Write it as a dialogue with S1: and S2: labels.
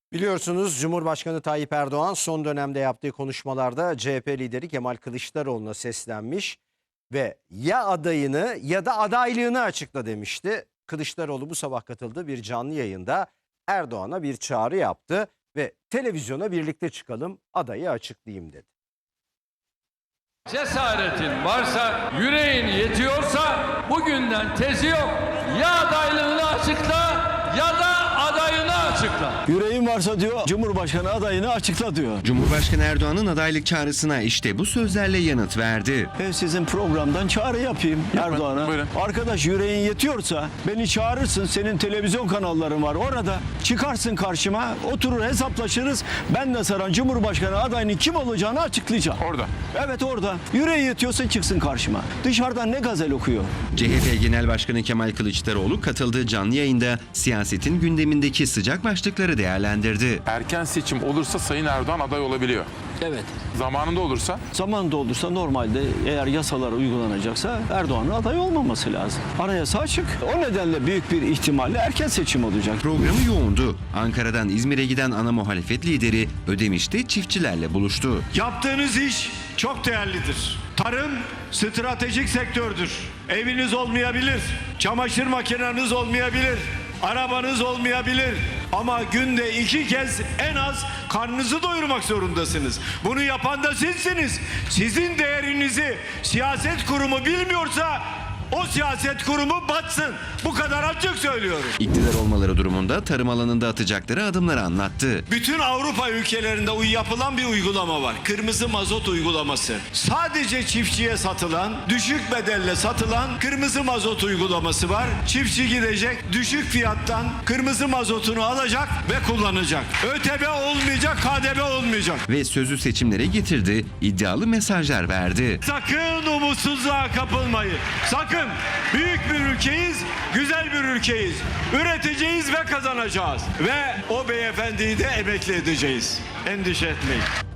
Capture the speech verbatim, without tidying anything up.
S1: Biliyorsunuz Cumhurbaşkanı Tayyip Erdoğan son dönemde yaptığı konuşmalarda C H P lideri Kemal Kılıçdaroğlu'na seslenmiş ve ya adayını ya da adaylığını açıkla demişti. Kılıçdaroğlu bu sabah katıldığı bir canlı yayında Erdoğan'a bir çağrı yaptı ve televizyona birlikte çıkalım, adayı açıklayayım dedi.
S2: Cesaretin varsa, yüreğin yetiyorsa bugünden tezi yok. Ya adaylığını açıkla ya da adayını açıkla.
S3: Yüreğin varsa diyor, Cumhurbaşkanı adayını açıkla diyor.
S4: Cumhurbaşkanı Erdoğan'ın adaylık çağrısına işte bu sözlerle yanıt verdi.
S3: Ben sizin programdan çağrı yapayım Erdoğan'a. Arkadaş, yüreğin yetiyorsa beni çağırırsın, senin televizyon kanalların var orada. Çıkarsın karşıma, oturur hesaplaşırız. Ben de saran Cumhurbaşkanı adayının kim olacağını açıklayacağım.
S5: Orada.
S3: Evet, orada. Yüreği yetiyorsa çıksın karşıma. Dışarıdan ne gazel okuyor.
S4: C H P Genel Başkanı Kemal Kılıçdaroğlu katıldığı canlı yayında siyasetin gündemindeki sıcak başlıkları değerlendirdi.
S5: Erken seçim olursa Sayın Erdoğan aday olabiliyor.
S3: Evet.
S5: Zamanında olursa?
S3: Zamanında olursa normalde eğer yasalar uygulanacaksa Erdoğan'ın aday olmaması lazım. Anayasa açık. O nedenle büyük bir ihtimalle erken seçim olacak.
S4: Programı yoğundu. Ankara'dan İzmir'e giden ana muhalefet lideri Ödemiş'te çiftçilerle buluştu.
S6: Yaptığınız iş çok değerlidir. Tarım stratejik sektördür. Eviniz olmayabilir, çamaşır makineniz olmayabilir, arabanız olmayabilir. Ama günde iki kez en az karnınızı doyurmak zorundasınız. Bunu yapan da sizsiniz. Sizin değerinizi siyaset kurumu bilmiyorsa o siyaset kurumu batsın. Bu kadar açık söylüyorum.
S4: İktidar olmaları durumunda tarım alanında atacakları adımları anlattı.
S6: Bütün Avrupa ülkelerinde yapılan bir uygulama var. Kırmızı mazot uygulaması. Sadece çiftçiye satılan, düşük bedelle satılan kırmızı mazot uygulaması var. Çiftçi gidecek, düşük fiyattan kırmızı mazotunu alacak ve kullanacak. ÖTV olmayacak, K D V olmayacak.
S4: Ve sözü seçimlere getirdi, iddialı mesajlar verdi.
S6: Sakın umutsuzluğa kapılmayın. Sakın. Büyük bir ülkeyiz, güzel bir ülkeyiz. Üreteceğiz ve kazanacağız. Ve o beyefendiyi de emekli edeceğiz. Endişe etmeyin.